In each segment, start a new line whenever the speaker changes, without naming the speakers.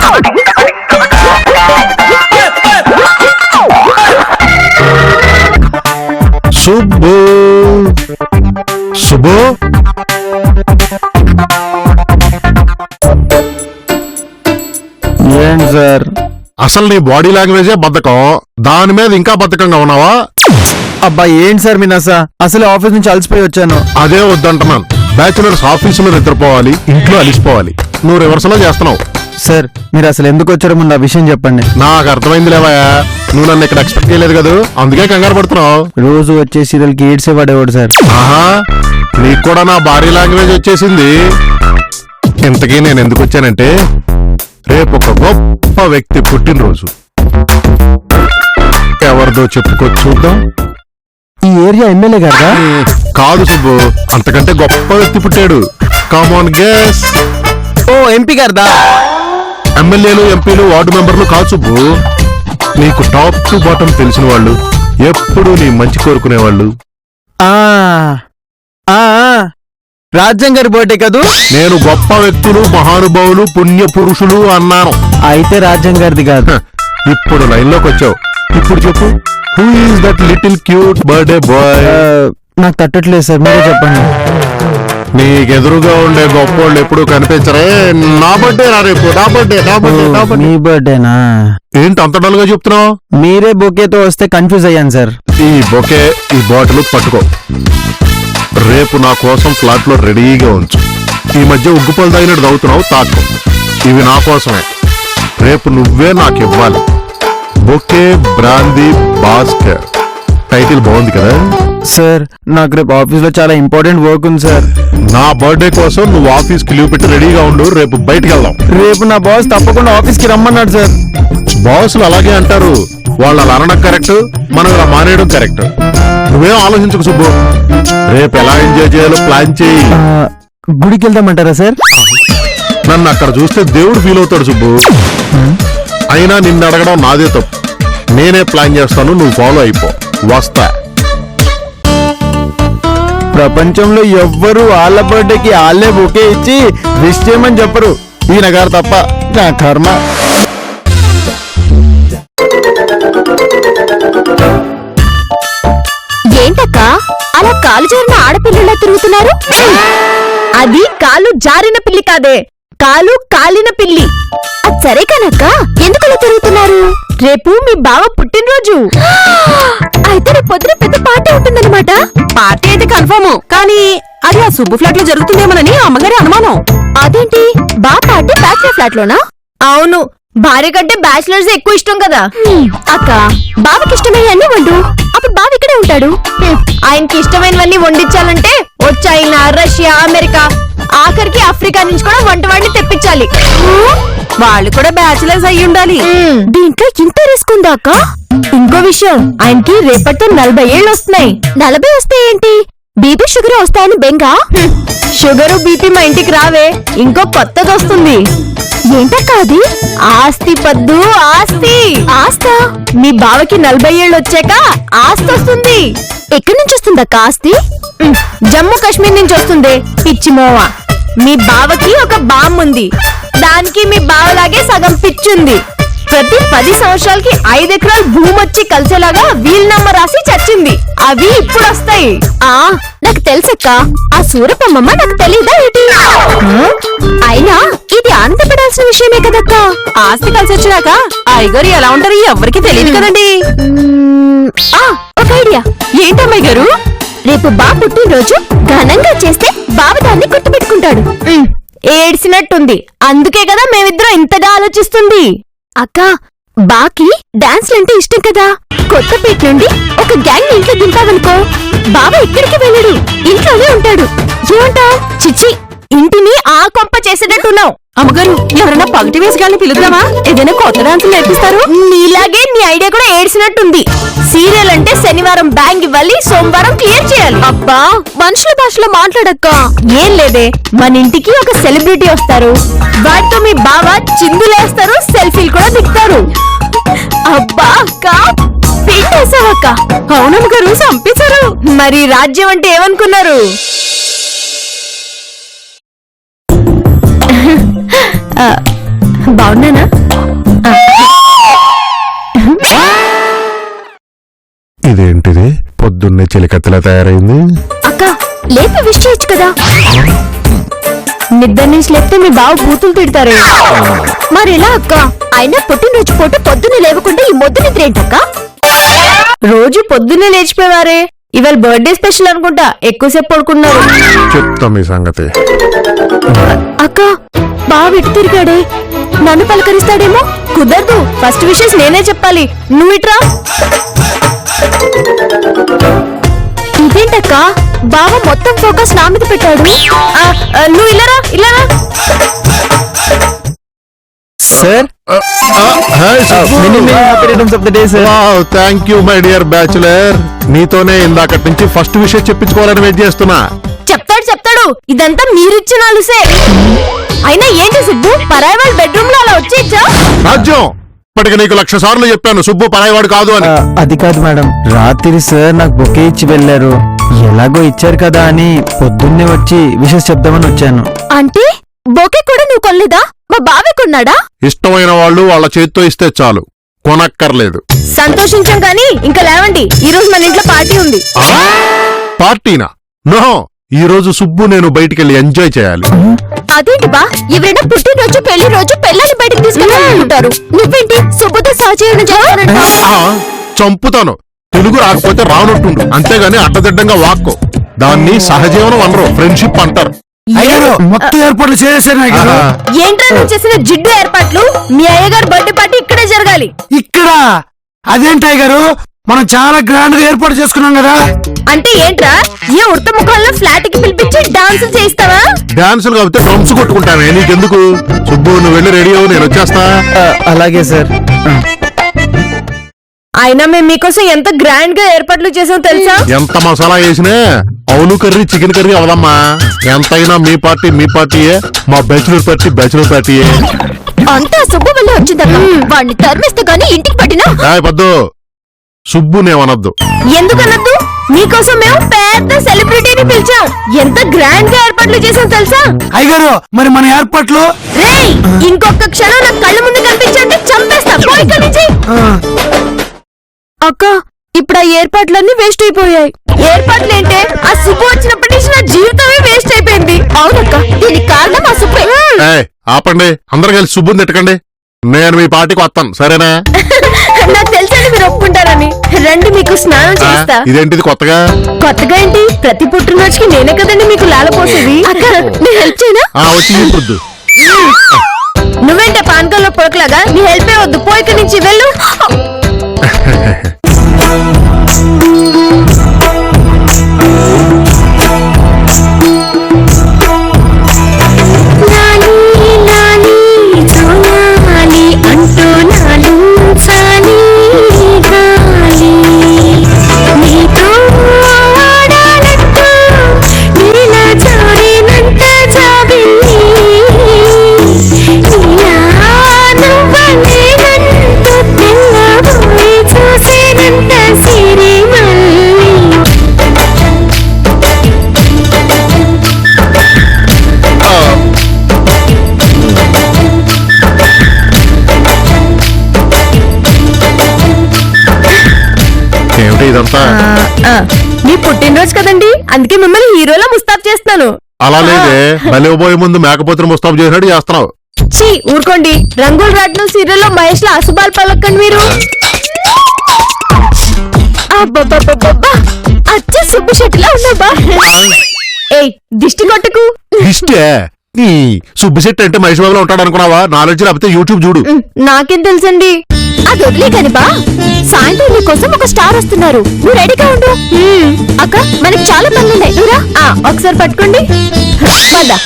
సుబ్బు సుబ్బు
ఏంటి సార్?
అసలు నీ బాడీ లాంగ్వేజే బద్ధకం, దాని మీద ఇంకా బద్ధకంగా ఉన్నావా?
అబ్బా ఏంటి సార్ మీ నస? అసలు ఆఫీస్ నుంచి అలసిపోయి వచ్చాను.
అదే వద్దంటున్నాను. బ్యాచులర్స్ ఆఫీసులో నిద్రపోవాలి, ఇంట్లో అలిసిపోవాలి. నువ్వు రివర్స్ లో చేస్తున్నావు.
సార్ మీరు అసలు ఎందుకు వచ్చారో ముందు ఆ విషయం చెప్పండి.
నాకు అర్థమైంది లేవయా, నువ్వు నన్ను ఇక్కడ ఎక్స్పెక్ట్ చేయలేదు కదా, అందుకే కంగారు పడుతున్నావు.
రోజు వచ్చే సీరియల్ కి ఏడ్సే పడేవాడు సార్.
ఆహా, నీకు కూడా నా బాడీ లాంగ్వేజ్ వచ్చేసింది. ఇంతకీ నేను ఎందుకు వచ్చానంటే, రేపు ఒక గొప్ప వ్యక్తి పుట్టినరోజు. ఎవరిదో చెప్పుకో చూద్దాం.
ఈ ఏరియా ఎమ్మెల్యే గారా?
కాదు సుబ్బు, అంతకంటే గొప్ప వ్యక్తి పుట్టాడు. Common guess.
ఓ ఎంపీ గారిదా?
ఎమ్మెల్యేలు, ఎంపీలు, వార్డు మెంబర్లు కాదు సుబ్బు, నీకు టాప్ టు బాటం తెలిసిన వాళ్ళు, ఎప్పుడు నీ మంచి కోరుకునేవాళ్ళు.
రాజ్యం గారి బర్త్డే కదూ?
నేను గొప్ప వ్యక్తులు, మహానుభావులు, పుణ్య పురుషులు అన్నాను.
అయితే రాజ్యం గారిది కాదు.
ఇప్పుడు లైన్ లోకి వచ్చావు. ఇప్పుడు చెప్పు, who is that little cute birthday boy?
నాకు తట్టట్లేదు సార్, మీరే చెప్పండి.
నీకెదురుగా ఉండే గొప్పోళ్ళు ఎప్పుడు కనిపించరే. నా బర్త్డే రా రేపు. నా బర్త్డే, నా బర్త్డే, నా బర్త్డే.
మీ బర్త్డేనా?
ఏంటి అంత డల్ గా చెప్తున్నావు?
మీరే బొకేతో వస్తే కన్ఫ్యూజ్ అయ్యాను సార్.
ఈ బొకే, ఈ బాటిల్ పట్టుకో. రేపు నా కోసం ఫ్లాట్ లో రెడీగా ఉంచు. ఈ మధ్య ఉగ్గుపలు తాగినట్టు తాగుతున్నావు, తాకు. ఇవి నా కోసమే, రేపు నువ్వే నాకు ఇవ్వాలి. Bouquet brandy Bhaskar. టైటిల్ బాగుంది కదా
సార్? నాకు రేపు ఆఫీస్ లో చాలా ఇంపార్టెంట్ వర్క్ ఉంది సార్.
నా బర్త్డే కోసం నువ్వు ఆఫీస్ కి లీవ్ పెట్టి రెడీగా ఉండు. రేపు బయటికి వెళ్దాం.
రేపు నా బాస్ తప్పకుండా ఆఫీస్ కి రమ్మన్నాడు సార్.
బాసులు అలాగే అంటారు. వాళ్ళు అలా అనడం కరెక్ట్, మనం ఇలా మానేయడం కరెక్ట్. నువ్వేం ఆలోచించకు సుబ్బు, రేపు ఎలా ఎంజాయ్ చేయాలో ప్లాన్ చేయి.
గుడికి వెళ్దామంటారా సార్?
నన్ను అక్కడ చూస్తే దేవుడు ఫీల్ అవుతాడు సుబ్బు. అయినా నిన్ను అడగడం నాదే తప్పు. నేనే ప్లాన్ చేస్తాను, నువ్వు ఫాలో అయిపో. వస్తా.
ప్రపంచంలో ఎవ్వరు వాళ్ళ బర్త్డేకి వాళ్ళే బొకే ఇచ్చి విష్ చేయమని చెప్పరు, ఈయన గారు తప్ప. నా కర్మ.
ఏంటక్క అలా కాలు జారిన ఆడపిల్లలా తిరుగుతున్నారు? అది కాలు జారిన పిల్లి కాదే, కాలు కాలిన పిల్లి. అది సరే కానక్క, ఎందుకలా తిరుగుతున్నారు? రేపు మీ బావ పుట్టినరోజు. అయితే రేపు పొద్దున పెద్ద పార్టీ ఉంటుందన్నమాట.
పార్టీ అయితే కన్ఫర్మ్, కానీ అది ఆ సుబ్బు ఫ్లాట్ లో జరుగుతుందేమోనని అమ్మగారి అనుమానం.
అదేంటి, బా పార్టీ బ్యాచిలర్ ఫ్లాట్ లోనా? అవును, భార్య కంటే బ్యాచిలర్స్ ఎక్కువ ఇష్టం కదా. అక్క, బావకి ఇష్టమయ్యన్నీ వండు, అప్పుడు బావ ఇక్కడే ఉంటాడు. ఆయనకి ఇష్టమైనవన్నీ వండించాలంటే చైనా, రష్యా, అమెరికా, ఆఖరికి ఆఫ్రికా నుంచి కూడా వంటవాడిని తెప్పించాలి.
వాళ్ళు కూడా బ్యాచిలర్స్ అయ్యి ఉండాలి.
దీంట్లో ఇంత రిస్క్ ఉందా అక్క? ఇంకో విషయం, ఆయనకి రేపటితో 40 ఏళ్ళు వస్తున్నాయి. 40 వస్తే ఏంటి, బీపీ షుగర్ వస్తాయని బెంగా? షుగరు బీపీ మా ఇంటికి రావే, ఇంకో కొత్తది వస్తుంది. ఏంటక్క అది? ఆస్తి పద్దు, ఆస్తి. ఆస్తా? మీ బావకి 40 ఏళ్ళు వచ్చాక ఆస్తి వస్తుంది. ఎక్కడి నుంచి వస్తుందక్క ఆస్తి? జమ్మూ కాశ్మీర్ నుంచి వస్తుంది, పిచ్చి మోవ. మీ బావకి ఒక బామ్ ఉంది, దానికి మీ బావలాగే సగం పిచ్చుంది. ప్రతి 10 సంవత్సరాలకి 5 ఎకరాలు భూమి వచ్చి కలిసేలాగా వీలునామా రాసి చచ్చింది. అవి ఇప్పుడు వస్తాయి. నాకు తెలుసక్క, ఆ సూరపమ్మమ్మ నాకు తెలీదా ఏంటి? అయినా ఇది ఆనందపడాల్సిన విషయమే కదక్క.
ఆస్తి కలిసి వచ్చినాక అయ్యగారు ఎలా ఉంటారు ఎవరికి తెలియదు కదండి.
ఒక ఐడియా.
ఏంటమ్మాయి గారు?
రేపు బా పుట్టినరోజు ఘనంగా చేస్తే బావ దాన్ని గుర్తుపెట్టుకుంటాడు. ఏడ్చినట్టుంది, అందుకే కదా మేమిద్దరం ఇంతగా ఆలోచిస్తుంది. అక్క, బాకి డాన్స్లంటే ఇష్టం కదా. కొత్తపేట నుండి ఒక గ్యాంగ్ ఇంట్లో దింపావనుకో, బావ ఎక్కడికి వెళ్ళడు, ఇంట్లోనే ఉంటాడు. ఏమంటావ్? చిచ్చి, ఇంటిని ఆ కొంప చేసేటట్టున్నావు.
అమ్మగారు, ఎవరైనా పగటి వేసి గాని పిలుద్దామా? ఏదైనా కొత్త డాన్స్ నేర్పిస్తారు.
నీలాగే నీ ఐడియా కూడా ఏడ్చినట్టుంది. సీరియల్ అంటే శనివారం బ్యాంగ్ ఇవ్వాలి, సోమవారం క్లియర్ చేయాలి. అబ్బా, మనుషుల భాషలో మాట్లాడక్క. ఏం లేదే, మన ఇంటికి ఒక సెలబ్రిటీ వస్తారు, వాటితో మీ బావ చిందులేస్తారు, సెల్ఫీలు కూడా దిగుతారు. అబ్బా అక్క, పిండేసావక్క.
అవునమ్మగారు, చంపేశారు.
మరి రాజ్యం అంటే ఏమనుకున్నారు? బాగున్నానా
ఇదేంటిది పొద్దున్నే చెలికత్తెలా తయారైంది?
అక్క లేపి విష్ చేయొచ్చు కదా నిద్ర నుంచి లేపితే మీ బావ బూతులు తిడతారే మరి ఎలా అక్క అయినా పుట్టినరోజు పూట పొద్దున్నే లేవకుండా ఈ మొద్దు నిద్ర ఏంటక్క రోజు పొద్దున్నే లేచిపోయేవారే ఇవాళ బర్త్డే స్పెషల్ అనుకుంటా ఎక్కువసేపు పడుకున్నారు
చెప్తా మీ సంగతి.
అక్క బావ ఇటు తిరిగాడే నన్ను పలకరిస్తాడేమో కుదరదు ఫస్ట్ విషెస్ నేనే చెప్పాలి నువ్వు ఇట్రా ఇదేంటక్క బావ మొత్తం ఫోకస్ నా మీద పెట్టాడు నువ్వు ఇల్లరా ఇల్లరా
sir
thank you my dear bachelor. నీతోనే ఇందాకటి నుంచి ఫస్ట్ విషయం చెప్పించుకోవాలని వెయిట్ చేస్తున్నా.
చెప్తాడు ఇదంతా మీరిచ్చిన అలుసే అయినా ఏంటి సుబ్బు పరాయి వాళ్ళ బెడ్రూమ్ లో అలా వచ్చేచ్చా
రాజ్యం ఇప్పటికి నీకు 1,00,000 సార్లు చెప్పాను సుబ్బు పరాయివాడు కాదు అని.
అది కాదు మేడం, రాత్రి సార్ నాకు బొకే ఇచ్చి వెళ్ళారు. ఎలాగో ఇచ్చారు కదా అని పొద్దున్నే వచ్చి విషెస్ చెప్దామని వచ్చాను.
అంటే బొకే కూడా నువ్వు కొనలేదా మా బావే కొన్నాడా
ఇష్టమైన వాళ్ళు వాళ్ళ చేతితో ఇస్తే చాలు, కొనక్కర్లేదు.
సంతోషించాం కానీ ఇంకా లేవండి ఈ రోజు మన ఇంట్లో పార్టీ ఉంది
పార్టీనా? నో, ఈ రోజు సుబ్బు నేను బయటికెళ్ళి ఎంజాయ్ చేయాలి.
అదేంటి బా ఎవరైనా పుట్టినరోజు పెళ్లి రోజు పెళ్ళని బయటకు తీసుకెళ్ళాలనుకుంటారు నువ్వేంటి సుబ్బుతో సహజీవనం చేయాలంట
చంపుతాను. తెలుగు రాకపోతే రానట్టుండు, అంతేగాని అడ్డదిడ్డంగా వాక్కో. దాన్ని సహజీవనం అనరు, ఫ్రెండ్షిప్ అంటారు.
మొత్తం ఏర్పాట్లు చేసేసాను.
ఏంట్రా నువ్వు చేసిన జిడ్డు ఏర్పాట్లు మీ అయ్యగారు బర్త్డే పార్టీ ఇక్కడే జరగాలి
ఇక్కడ అదేంటాయి గారు, మనం చాలా గ్రాండ్ గా ఏర్పాటు చేసుకున్నాం కదా.
అంటే ఏంట్రా ఏ ఉడత ముఖంలో ఫ్లాట్ కి పిలిపించి డాన్స్ చేయిస్తావా
డాన్సులు కాబట్టి డ్రమ్స్ కొట్టుకుంటానే, నీకెందుకు? సుబ్బు నువ్వు వెళ్ళి రెడీ అవ్వు, నేను వచ్చేస్తా.
అలాగే సార్.
అయినా మేము మీకోసం ఎంత గ్రాండ్ గా ఏర్పాట్లు చేసాం తెలుసా
ఎంత మసాలా వేసినా అవును కర్రీ చికెన్ కర్రీ అవదమ్మా. ఎంతైనా మీ పార్టీయే, మా బ్యాచులర్ పార్టీయే.
అంతా సుబ్బు వల్ల వచ్చిందక్క వాడిని తరిమిస్తే గానీ ఇంటికి పట్టినా
పద్దు సుబ్బు నేమనొద్దు.
ఎందుకనద్దు మీకోసం మేము పెద్ద సెలబ్రిటీని పిలిచాం ఎంత గ్రాండ్ గా ఏర్పాట్లు చేసాం తెలుసా
అయ్యగారు మరి మన ఏర్పాట్లు
రేయ్ ఇంకొక క్షణం నా కళ్ళ ముందు కనిపించండి చంపేస్తా పోయి ఇక్కడి నుంచి అక్క ఇప్పుడు ఆ ఏర్పాట్లన్నీ వేస్ట్ అయిపోయాయి ఏర్పాట్లేంటే ఆ సుబ్బు వచ్చినప్పటి నుంచి నా జీవితమే వేస్ట్ అయిపోయింది అవునక్క దీనికి కారణం ఆ సుబ్బే
ఆపండి, అందరు కలిసి సుబ్బుని తిట్టకండి. నేను మీ పార్టీకి వస్తాను, సరేనా?
నాకు తెలుసని మీరు ఒప్పుకుంటారని రండి మీకు స్నానం చేస్తా
ఇదేంటిది కొత్తగా
ఏంటి ప్రతి పుట్టినరోజుకి నేనే కదండి మీకు లాలపోసేది అక్క నేను హెల్ప్ చేయనా
వచ్చి ఇప్పుడు
నువ్వేంటే పానకంలో పొడకలాగా నీ హెల్ప్ వద్దు పోయి ఇక్కడి నుంచి వెళ్ళు
ఇదంతా
మీ పుట్టినరోజు కదండి అందుకే మిమ్మల్ని హీరోలా ముస్తాబ్ చేస్తున్నాను
అలా లేదే, బలిపోయే ముందు మేకపోతులు ముస్తాబు చేసినట్టు చేస్తున్నావు.
చీ ఊరుకోండి రంగుల రాట్నం సీరియల్లో మహేష్ లో అసుబాల్ పలకండి మీరు అచ్చ సుబ్బు షెట్టిలా ఉన్నాబా ఏయ్ దిష్టి కొట్టకు
ఇష్టే నీ సుబ్బిశెట్టి అంటే మహేష్ బాబులో ఉంటాడు అనుకున్నావా? నాలెడ్జ్ లేకపోతే యూట్యూబ్ చూడు.
నాకేం తెలుసండి అది వదిలే కాని బా సాయంత్రం నీ కోసం ఒక స్టార్ వస్తున్నారు నువ్వు రెడీగా ఉండు అక్క మనకి చాలా పనులున్నాయి నువ్వురా ఒకసారి పట్టుకోండి పద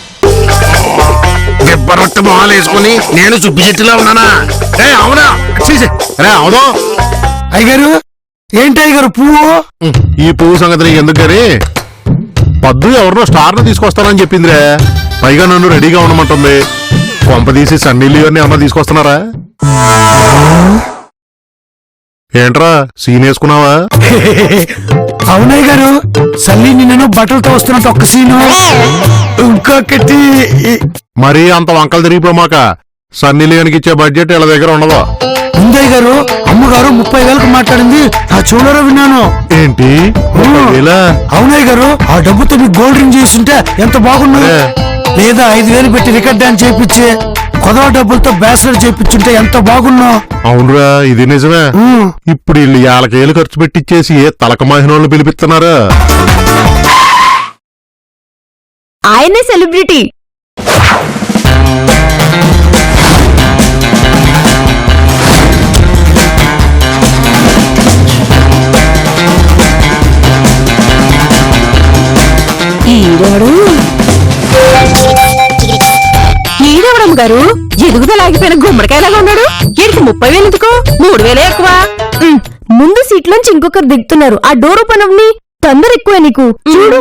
దెబ్బరొట్ట మొహాలు వేసుకుని నేను సుబ్బిశెట్టిలా ఉన్నానా? అవునా? అవును
అయ్యగారు ఏంటి అయ్యగారు పువ్వు?
ఈ పువ్వు సంగతి నీకు ఎందుకు గాని పద్దు ఎవరినో స్టార్ ను తీసుకొస్తానని చెప్పిందిరే, పైగా నన్ను రెడీగా ఉండమంటుంది. కొంపదీసి సన్నీళ్ళు అన్ని అమ్మ తీసుకొస్తున్నారా? ఏంట్రా సీన్ వేసుకున్నావా?
అవునయ్య గారు సల్లి నిన్ను బట్టలతో వస్తున్నట్టు ఒక్క సీను ఇంకొకటి.
మరీ అంత వంకలు తిరిగిపోమాక సన్నీ లియోనికి ఇచ్చే బడ్జెట్ వీళ్ళ దగ్గర ఉండదు.
ఉందయ్య గారు, అమ్మగారు 30,000కు మాట్లాడింది నా చెవులలో విన్నాను.
ఏంటి ఇలా?
అవునయ్య గారు, ఆ డబ్బుతో మీకు గోల్డ్ రింగ్ చేస్తుంటే ఎంత బాగున్నా. లేదా 5,000 పెట్టి రికార్డ్ డాన్స్ చేయించి కొదవ డబ్బులతో బ్యాస్లెట్ చేయించుంటే ఎంత బాగున్నా.
అవునురా, ఇది నిజమే. ఇప్పుడు వీళ్ళు 50,000 ఖర్చు పెట్టిచ్చేసి ఏ తలక మాహినోళ్ళు పిలిపిస్తున్నారు.
ఆయనే సెలబ్రిటీ.
ఈడవడం గారు ఎదుగుదల ఆగిపోయిన గుమ్మడికాయలాగా ఉన్నాడు. ఈడికి 30,000 ఎందుకు? 3,000 ఎక్కువ.
ముందు సీట్లోంచి ఇంకొకరు దిగుతున్నారు. ఆ డోర్ ఓపెన్ అవ్వని. తొందర ఎక్కువ నీకు. చూడు,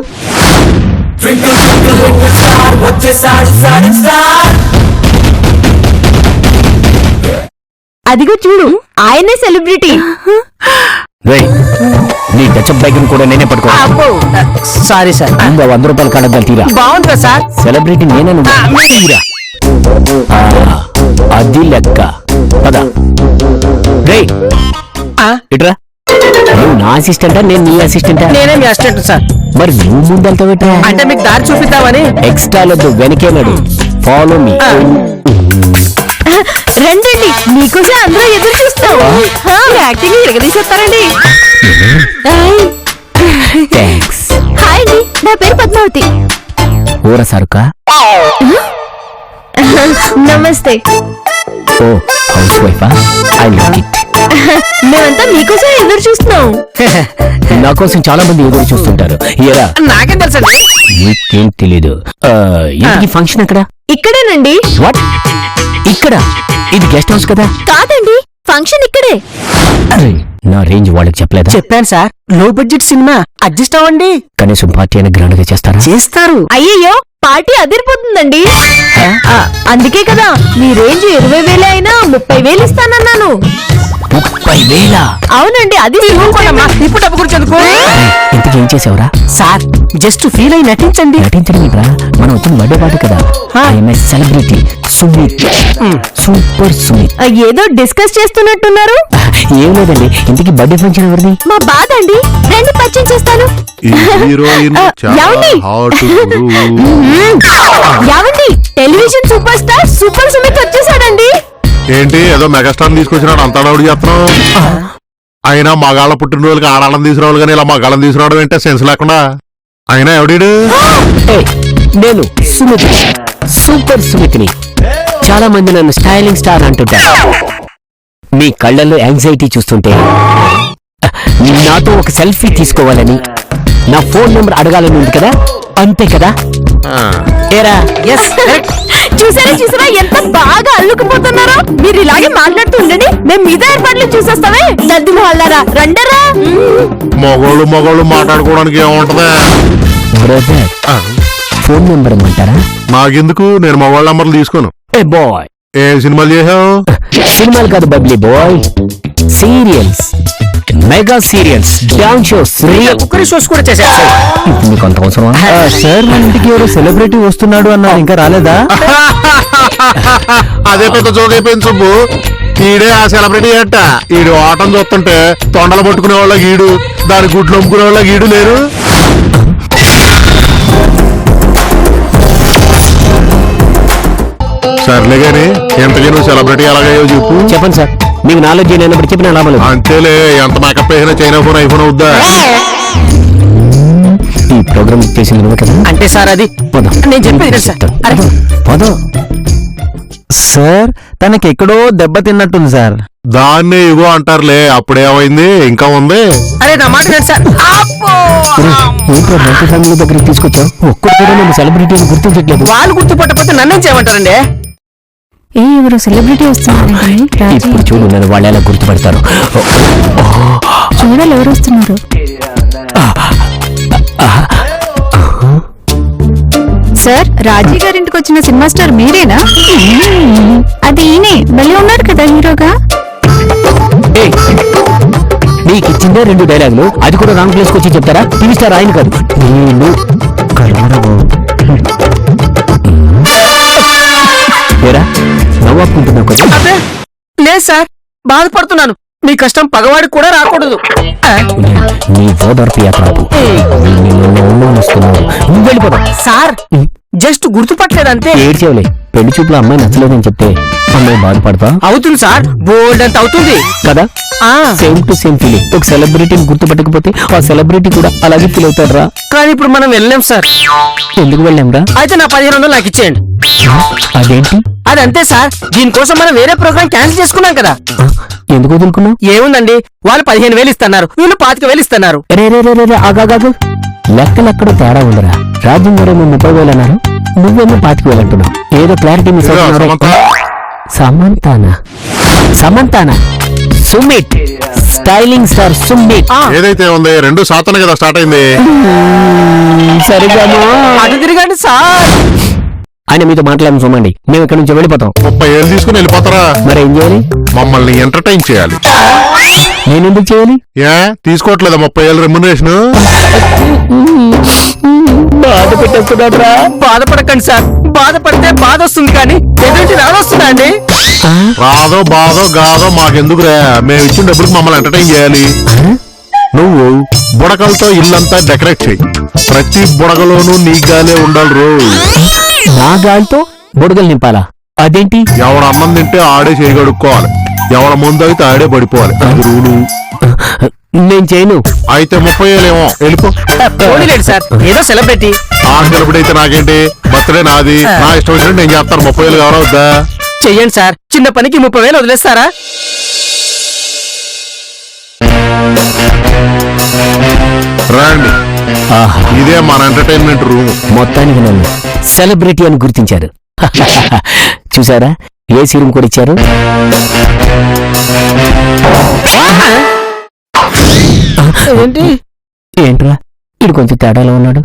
అదిగో చూడు, ఆయనే సెలబ్రిటీ.
నీ టచ్అప్ బైక్ కూడా నేనే పట్టుకో.
Sorry sir.
100 రూపాయలు కడద్దాలు తీరా.
బాగుంటుందా సార్?
సెలబ్రిటీ నేనే, నువ్వు తీరా. అది లెక్క. పద రేయ్, ఇట్రా. నువ్వు నా అసిస్టెంటా, నేను నీ అసిస్టెంటా?
నేనే మీ అసిస్టెంట్ సార్.
మరి నువ్వు ముందంతా పెట్టా.
అంటే మీకు దారి చూపిద్దామని.
ఎక్స్ట్రా లొద్దు, వెనకే నడు. Follow me.
రండి, మీకోసం అందరూ ఎదురు చూస్తాం.
యాక్టింగ్ ఎరగదీసేస్తారండి.
థ్యాంక్స్.
హాయ్ అండి, నా పేరు పద్మావతి.
ఊర సరుకా?
నమస్తే.
ఓ హౌస్ వైఫా? I like it.
మేమంతా మీకోసం ఎదురు చూస్తున్నాం.
నా కోసం చాలా మంది ఎదురు చూస్తుంటారు. ఏరా,
నాకేం తెలుసండి.
నీకేం తెలీదు. ఇంటికి ఫంక్షన్ ఎక్కడ?
ఇక్కడేనండి.
వాట్? ఇక్కడ? ఇది గెస్ట్ హౌస్ కదా?
కాదండి, ఫంక్షన్ ఇక్కడే.
అరే, నా రేంజ్ వాళ్ళకి చెప్పలేదా?
చెప్పాను సార్, లో బడ్జెట్ సినిమా, అడ్జస్ట్ అవ్వండి.
కనీసం పార్టీ అయినా గ్రాండ్ గా చేస్తారా?
చేస్తారు.
అయ్యయ్యో, పార్టీ అదిరిపోతుందండి. అందుకే కదా మీ రేంజ్ 20,000 అయినా 30,000 ఇస్తానన్నాను.
30,000?
అవునండి, అది
ఇప్పుడు డబ్బు గురించి ఎందుకు?
ఇంతకీ ఏం చేసావురా?
సార్, జస్ట్ ఫీల్ అయి నటించండి.
నటించడం ఏంట్రా? మనం వచ్చిన బర్త్డే పార్టీ కదా. I'm celebrity Sumit, super Sumit.
ఏదో డిస్కస్ చేస్తున్నట్టున్నారు.
ఏం లేదండి, ఇంతకీ బర్త్డే ఫంక్షన్ ఎవరిది?
మా బాధ అండి, రండి పరిచయం చేస్తాను.
ఈ హీరోయిన్ చాలా
ఏమండి?
హాట్ గురు.
యావండి, television super star super Sumit వచ్చేసాడండి.
ఏంటి ఏదో మెగాస్టార్ తీసుకొచ్చినాడు అంతా డౌడ్ చేస్తున్నావు? అయినా మగాళ్ళ పుట్టినరోజులకి ఆడాళ్ళని తీసుకురావాలి కానీ ఇలా మగాళ్ళని తీసుకురావడం ఏంటే సెన్స్ లేకుండా. అయినా ఎవడీడు?
నేను సుమిత్, సూపర్ సుమిత్ని. చాలా మంది నన్ను స్టైలింగ్ స్టార్ అంటుంటారు. మీ కళ్ళల్లో యాంగ్జైటీ చూస్తుంటే నాతో ఒక సెల్ఫీ తీసుకోవాలని, నా ఫోన్ నెంబర్ అడగాలని ఉంది కదా, అంతే కదా? ఏరా?
చూసారా ఎంత బాగా అల్లుకుపోతున్నారో. మీరు ఇలాగే మాట్లాడుతూ ఉండండి, మేము మిగతా ఏర్పాట్లు చూసేస్తామే. దద్ది మొహల్లారా, రండరా.
మగోళ్ళు మాట్లాడుకోవడానికి ఏముంటదా?
బ్రదర్, ఫోన్ నెంబర్ ఇమ్మంటారా?
నాకెందుకు, నేను మగవాళ్ళ నంబర్లు తీసుకోను.
ఏ బాయ్,
ఏ సినిమాలు చేసావు?
సినిమాలు కాదు bubbly boy, serials, mega serials, dance shows,
cookery shows కూడా చేశారు.
మీకు అంత అవసరమా? సార్, మన ఇంటికి ఎవరో సెలబ్రిటీ వస్తున్నాడు అన్నారు, ఇంకా రాలేదా?
అదే పెద్ద జోకైపోయింది సుబ్బు. ఈడే ఆ సెలబ్రిటీ అట్ట. ఈడు ఆటం చూస్తుంటే తొండలు పట్టుకునే వాళ్ళ గీడు, దాని గుడ్లు అమ్ముకునే వాళ్ళ గీడు లేరు. సర్లే గాని ఎంతకీ నువ్వు సెలబ్రిటీ ఎలాగయ్యో చెప్పు.
చెప్పండి సార్, మీకు నాలెడ్జ్ లేనప్పుడు చెప్పిన లాభం లేదు.
అంతేలే, ఎంత మేకప్ వేసినా చైనా ఫోన్ ఐఫోన్ అవుద్దా?
ఈ ప్రోగ్రామ్ చేసింది నువ్వు కదా?
అంటే సార్ అది నేను చెప్పేది
చెప్తాను. పదో. సార్, తనకి ఎక్కడో దెబ్బ తిన్నట్టుంది సార్.
దాన్నే ఇగో అంటారులే. అప్పుడేమైంది, ఇంకా ఉంది.
అరే నా మాట వినండి సార్.
ఏంట్రా బయట ఫ్యామిలీ దగ్గరికి తీసుకొచ్చావు? ఒక్కడు కూడా నేను సెలబ్రిటీ అని గుర్తించట్లేదు.
వాళ్ళు గుర్తుపట్టకపోతే నన్నేం చేయమంటారండి?
ఎవరు సెలబ్రిటీ వస్తున్నారు?
ఇప్పుడు చూడు, నేను వాళ్ళు ఎలా గుర్తుపడతారు.
చూడాలి ఎవరు వస్తున్నారు. సార్, రాజీ గారింటికి వచ్చిన సినిమా స్టార్ మీరేనా? అది ఈయనే, మళ్ళీ ఉన్నాడు కదా హీరోగా.
నీకు ఇచ్చిందే 2 డైలాగులు, అది కూడా రాంగ్ ప్లేస్కి వచ్చి చెప్తారా? టీవీ స్టార్ ఆయన కాదు నేను. నవ్వాకుంటున్నావు కదా
అదే లేదు సార్, బాధపడుతున్నాను. మీ కష్టం పగవాడికి కూడా రాకూడదు.
నీ ఓదార్పు యాత్రాపు నువ్వు వెళ్ళిపోతావు.
Sir just గుర్తుపట్టలేదంతే.
ఏడ్చేవలే, పెళ్లి చూపులో అమ్మాయి నచ్చలేదని చెప్తే అమ్మాయి బాధపడతా
అవుతుంది సార్, బోల్డ్ అంత అవుతుంది
కదా.
ఆ
సేమ్ టు సేమ్ ఫీలింగ్. ఒక సెలబ్రిటీని గుర్తుపట్టకపోతే ఆ సెలబ్రిటీ కూడా అలాగే ఫీల్ అవుతాడు రా.
కానీ ఇప్పుడు మనం వెళ్ళలేం సార్.
ఎందుకు వెళ్ళాంరా?
అయితే నా 1500 నాకు ఇచ్చేయండి.
అదేంటి?
అదంతే సార్, దీనికోసం మనం వేరే ప్రోగ్రామ్ క్యాన్సిల్ చేసుకున్నాం కదా.
ఎందుకు వదులుకున్నావు?
ఏముందండి, వాళ్ళు 15,000 ఇస్తున్నారు, వీళ్ళు 25,000 ఇస్తున్నారు.
రే రే రే రే ఆగాగాగు, లెక్కలెక్కడో తేడా ఉందిరా. రాజ్యం గారు 30,000 అన్నారు, నువ్వేమో 25,000 అంటున్నావు. ఏదో క్లారిటీ మిస్ అవుతున్నారు. సమంతానా? సమంతానా? Sumit, styling star Sumit.
ఏదైతే ఉంది 2 శాతం కదా స్టార్ట్ అయింది.
సరిగాను
అటు తిరగండి సార్.
ఆయన మీతో మాట్లాడము చూడండి, మేము ఇక్కడ నుంచి వెళ్ళిపోతాం.
30,000 తీసుకుని వెళ్ళిపోతారా?
మరి ఏం చేయాలి?
మమ్మల్ని ఎంటర్టైన్ చేయాలి.
నేనెందుకు చేయాలి?
ఏ తీసుకోవట్లేదా 30,000 రెమ్యునరేషన్?
బాధ పెట్టేస్తున్నాడ్రా.
బాధపడకండి సార్, బాధపడితే బాధ వస్తుంది కానీ ఎటువంటి రాదొస్తుందా అండి?
రాదో బాధో గాదో మాకెందుకురా, మేము ఇచ్చిన డబ్బులకు మమ్మల్ని ఎంటర్టైన్ చేయాలి. నువ్వు బుడకలతో ఇల్లంతా డెకరేట్ చెయ్యి. ప్రతి బుడగలోనూ నీ గాలే ఉండాలి రోజు.
నా గాలితో బుడగలు నింపాలా? అదేంటి?
ఎవడ అన్నం తింటే ఆడే చేయగడుక్కోవాలి, ఎవడ ముందు అయితే ఆడే పడిపోవాలి. అది రూలు.
నేను చేయను.
అయితే 30,000 ఏమో వెళ్ళిపో.
పోనీలేండి సార్, ఏదో సెలబ్రిటీ.
ఆ సెలబ్రిటీ నాకేంటి, బర్త్డే నాది, నా ఇష్టం వచ్చినట్టు నేను చేస్తాను. 30,000 ఎవరో వద్దా?
చెయ్యండి సార్, చిన్న పనికి 30,000 వదిలేస్తారా?
రండి,
ఆహా,
ఇదే మన ఎంటర్టైన్మెంట్ రూమ్.
మొత్తానికి నన్ను సెలబ్రిటీ అని గుర్తించారు. చూసారా, ఏసీ రూమ్ కూడా ఇచ్చారు.
ఏంటి
ఏంట్రా, ఇది కొంచెం తేడాలో ఉన్నాడు.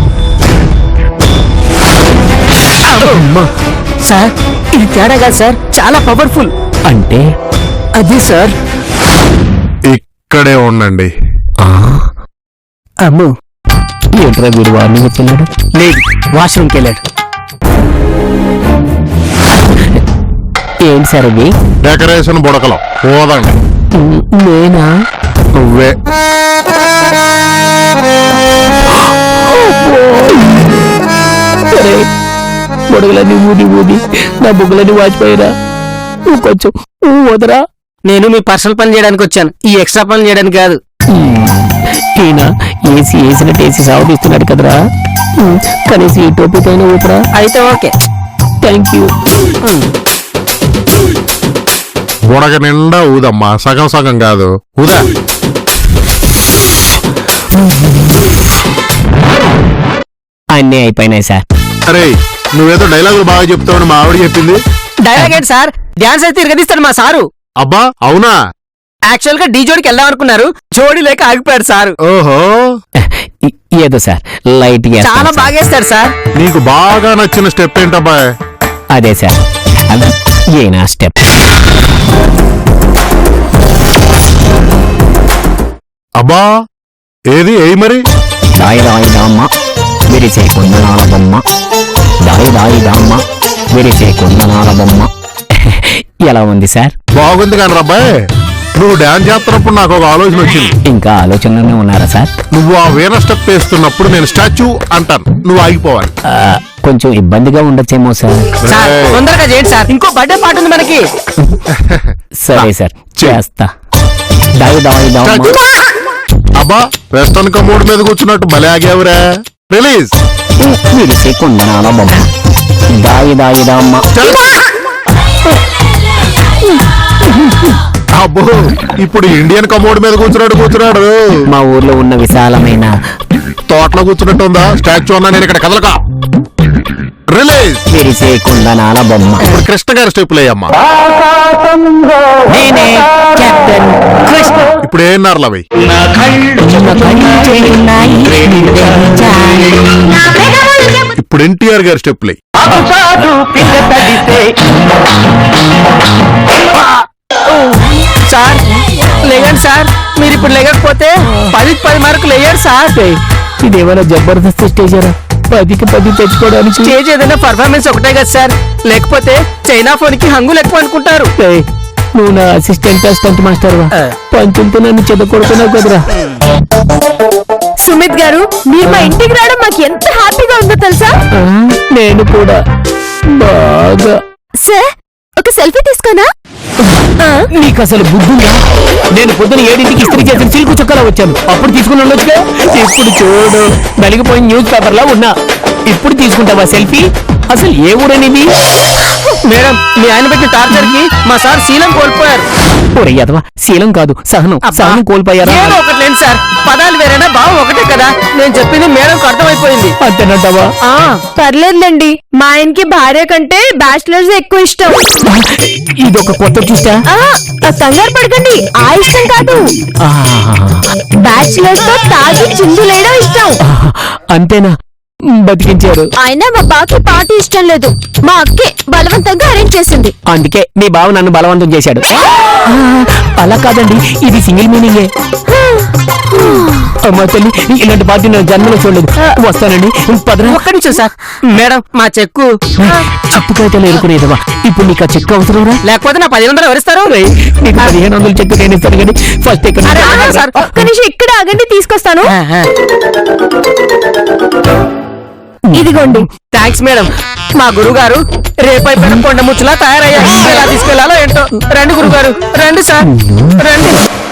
సార్, ఇది తేడా కాదు సార్, చాలా పవర్ఫుల్.
అంటే
అది సార్.
ఇక్కడే ఉండండి.
అమ్మో,
ఏంట్రా వీడు వార్నింగ్ ఇస్తున్నాడు?
లేదు, వాష్రూమ్కి వెళ్ళాడు.
ఏంటి సార్ అవి?
డెకరేషన్ బుడకలో పోదండి.
నేనా?
నువ్వే.
బుడగలన్నీ ఊది ఊది నా బుగ్గలన్నీ వాచిపోయిరా. నువ్వు కొంచెం వదరా.
నేను మీ పర్సనల్ పని చేయడానికి వచ్చాను, ఈ ఎక్స్ట్రా పని చేయడానికి కాదు.
ఈయన ఏసీ వేసినట్టు ఏసీ సాగుతున్నాడు కదరా. కనీసం ఈ టోపీకైనా ఊపరా.
అయితే ఓకే,
థ్యాంక్ యూ.
బుడగ నిండా ఊదమ్మా, సగం సగం కాదు, ఊదా.
అన్నీ అయిపోయినాయి సార్.
అరే, నువ్వేదో డైలాగులు బాగా చెప్తావని మా ఆవిడ చెప్పింది.
డైలాగ్ ఏంటి సార్, డాన్స్ అయితే తిరగదీస్తాడు మా సారు.
అబ్బా అవునా?
యాక్చువల్ గా డీ జోడికి వెళ్దాం అనుకున్నారు, జోడి లేక ఆగిపోయాడు సారు.
ఓహో,
ఏదో సార్ లైట్ గా
చాలా బాగేస్తాడు సార్.
నీకు బాగా నచ్చిన స్టెప్ ఏంటబ్బా?
అదే సార్, ఏనా స్టెప్.
అబ్బా ఏది ఏయి మరి?
దాయి దాయి దామ్మ విరిచే కుందనాల బొమ్మ, దాయి దాయి దామ్మ విరిచే కుందనాల బొమ్మ. ఎలా ఉంది సార్?
బాగుంది కానీ రబ్బాయ్, నువ్వు డాన్స్ చేస్తున్నప్పుడు నాకు ఒక ఆలోచన వచ్చింది.
ఇంకా ఆలోచనలోనే ఉన్నారా సార్?
నువ్వు ఆ వీణ స్టెప్ వేస్తున్నప్పుడు నేను స్టాచ్యూ అంటాను, నువ్వు ఆగిపోవాలి.
కొంచెం ఇబ్బందిగా ఉండొచ్చేమో సార్.
సార్ తొందరగా చేయండి సార్, ఇంకో బర్త్డే పాట ఉంది మనకి.
సరే సార్, చేస్తా. దాయి దాయి దామ్మ.
అబ్బా వెస్టర్న్ కమోడ్ మీద కూర్చున్నట్టు భలే ఆగావురా. రిలీజ్.
విరిసే కుందనాల బొమ్మ, దాయి దాయి దామ్మ.
అబ్బో ఇప్పుడు ఇండియన్ కమోడ్ మీద కూర్చున్నాడు.
మా ఊర్లో ఉన్న విశాలమైన
తోటలో కూర్చున్నట్టు ఉందా? స్టాచ్యూ అన్నా నేను ఇక్కడ కదలక. రిలీజ్.
విరిసే కుందనాల బొమ్మ.
ఇప్పుడు కృష్ణ గారి స్టెప్పులు అయ్యమ్మా.
నేనే కెప్టెన్ కృష్ణ.
ఇప్పుడు ఏమన్నారు అవి? ఇప్పుడు ఎన్టీఆర్ గారి స్టెప్పులు.
సార్ లేయండి సార్, మీరు ఇప్పుడు లేకపోతే 10కి 10 మార్కులు వేయండి సార్.
ఇదేమైనా జబర్దస్త్ స్టేజరా? 10కి 10 తెచ్చుకోవడానికి
స్టేజ్ ఏదైనా పర్ఫార్మెన్స్ ఒకటే కదా సార్, లేకపోతే చైనా ఫోన్ కి హంగులు ఎక్కువ అనుకుంటారు.
ఏయ్, నువ్వు నా అసిస్టెంట్ స్టంట్ మాస్టర్ వా పంచులతో నన్ను చెదకొడుతున్నావు కదరా.
సుమిత్ గారు, మీరు మా ఇంటికి రావడం మాకు ఎంత హ్యాపీగా ఉందో తెలుసా?
ఆ, నేను కూడా బాగా.
సార్, ఒక సెల్ఫీ తీసుకోనా?
నీకు అసలు బుద్ధుందా? నేను పొద్దున 7ంటికి ఇస్త్రీ చేసిన సిల్కు చుక్కలా వచ్చాను, అప్పుడు తీసుకుని ఉండొచ్చుగా. ఇప్పుడు చూడు, నలిగిపోయిన న్యూస్ పేపర్ లా ఉన్నా. ఇప్పుడు తీసుకుంటావా సెల్ఫీ? అసలు ఏ ఊరనిది?
మేడం, మీ ఆయన పెట్టిన టార్చర్ కి మా సార్ శీలం కోల్పోయారు.
ఒరే యదవా, శీలం కాదు సహనం.
అబ్బా,
సహనం కోల్పోయారా?
ఏదో ఒకటి లేండి సార్, పదాలు వేరేనా భావం ఒకటే కదా. నేను చెప్పింది మేడంకి అర్థమైపోయింది.
అంతేనంటావా?
పర్లేదులేండి, మా ఆయనకి భార్య కంటే బ్యాచిలర్స్ ఎక్కువ ఇష్టం.
ఇదొక కొత్త చూస్తా.
కంగారు పడకండి, ఆ ఇష్టం కాదు, బ్యాచిలర్స్ తో తాగి చిందులేయడం ఇష్టం.
అంతేనా? బతికించారు.
అయినా మా బాకి పార్టీ ఇష్టం లేదు, మా అక్కే బలవంతంగా అరేంజ్ చేసింది.
అందుకే మీ బావ నన్ను బలవంతం చేశాడు. అలా కాదండి, ఇది సింగిల్ మీనింగే. అమ్మా తల్లి, ఇలాంటి పార్టీ నా జన్మలో చూడలేదు. వస్తానండి, పదరా.
ఒక్క నిమిషం సార్. మేడం, మా చెక్కు
చిప్పు కాగితాలు ఎరుకునేదవా? ఇప్పుడు నీకు ఆ చెక్కు అవసరం రా?
లేకపోతే నా 500 ఎవరిస్తారు?
నీకు 1500 చెక్కు నేను ఇస్తాను కానీ ఫస్ట్ ఇక్కడ
అరే, ఆగండి సార్.
ఒక్క నిమిషం ఇక్కడ ఆగండి, తీసుకొస్తాను. ఇదిగోండి.
Thanks madam. మా గురువు గారు రేపైపోయిన కొండ ముచ్చులా తయారయ్యారు. ఎలా తీసుకెళ్లాలో ఏంటో. రండి గురుగారు, రండి సార్, రండి.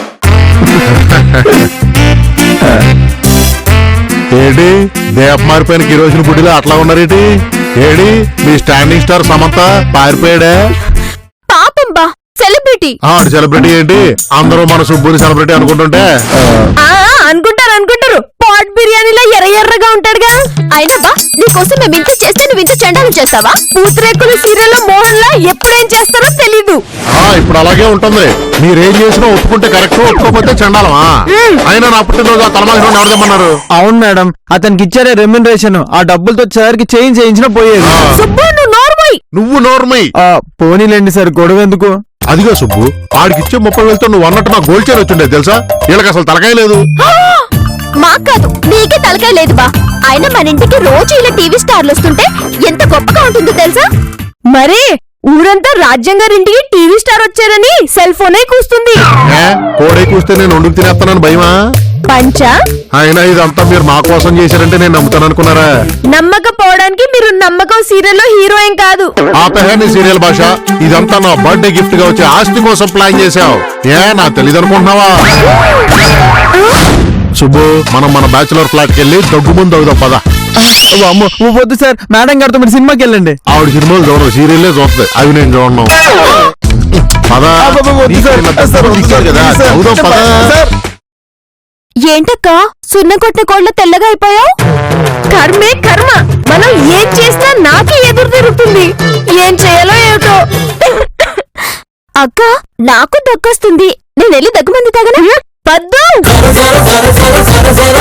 ఏడి దేప మారిపోయిన కిరోసిన బుడ్డిలో అట్లా ఉన్నారేటి? ఏడి మీ స్టాండింగ్ స్టార్ సమంత పారిపోయాడా?
పాపం బా, సెలబ్రిటీ.
ఆడు సెలబ్రిటీ ఏంటి? అందరూ మన సుబ్బుని సెలబ్రిటీ అనుకుంటుంటే
అనుకుంటారు పాట్ బిర్యానీలో ఎర్రగా ఉంటాడుగా. అయినా బా, నీకోసం మేము ఇంత చేస్తే నువ్వు ఇంత చెండాలు చేస్తావా? పూతరేకులు సీరియల్లో మోహన్ లా ఎప్పుడేం చేస్తారో తెలీదు.
ఇప్పుడు అలాగే ఉంటుంది. మీరేం చేసినా ఒప్పుకుంటే కరెక్ట్, ఒప్పుకోకపోతే చండాలమా? అయినా నా పుట్టినరోజు ఆ తలమాసి ఎవరు తెమ్మన్నారు?
అవును మేడం, అతనికి ఇచ్చారే రెమ్యునరేషన్, ఆ డబ్బులతో సార్కి చేయించిన పోయేది.
సుబ్బు, నువ్వు నోర్మోయ్.
నువ్వు నోర్మై.
పోనీలేండి సార్, గొడవ ఎందుకు?
అదిగో సుబ్బు, ఆడికిచ్చే 30,000తో నువ్వు అన్నట్టు నా గోల్డ్ చైన్ వచ్చిండే తెలుసా? వీళ్ళకి అసలు తలకాయ లేదు.
మాకు కాదు, నీకే తలకాయ లేదు బా. అయినా మన ఇంటికి రోజు ఇలా టీవీ స్టార్లు వస్తుంటే ఎంత గొప్పగా ఉంటుందో తెలుసా? మరే ఊరంతా రాజ్యం గారింటికి టీవీ స్టార్ వచ్చారని సెల్ ఫోనే కూస్తుంది.
కోడే కూస్తే నేను వండుకు తినేస్తానని భయమా?
పంచా,
అయినా ఇదంతా మీరు మా కోసం చేశారంటే నేను నమ్ముతాను అనుకున్నారా?
నమ్మకపోవడానికి మీరు నమ్మకం సీరియల్లో హీరోయిన్ కాదు.
ఆపహాని సీరియల్ భాష. ఇదంతా నా బర్త్డే గిఫ్ట్ గా వచ్చే ఆస్తి కోసం ప్లాన్ చేశావు. నా తెలీదు అనుకుంటున్నావా? సుబ్బు, మనం మన బ్యాచులర్ ఫ్లాట్ కి వెళ్ళి దగ్గు ముందు అవుదాం పద.
వద్దు సార్, మేడం గారితో మీరు సినిమాకి వెళ్ళండి.
ఆవిడ సినిమాలు చూడరు, సీరియల్లే చూస్తుంది. అవి నేను చూడను. పద. కదా అవుదాం పద.
ఏంటక్క సున్న కొట్టిన కోళ్ళ తెల్లగా అయిపోయావు? కర్మే కర్మ, మనం ఏం చేసినా నాకే ఎదురు తిరుగుతుంది. ఏం చేయాలో ఏమిటో. అక్క, నాకు దగ్గొస్తుంది, నేను వెళ్ళి దగ్గుమంది తగనా? పద్దు.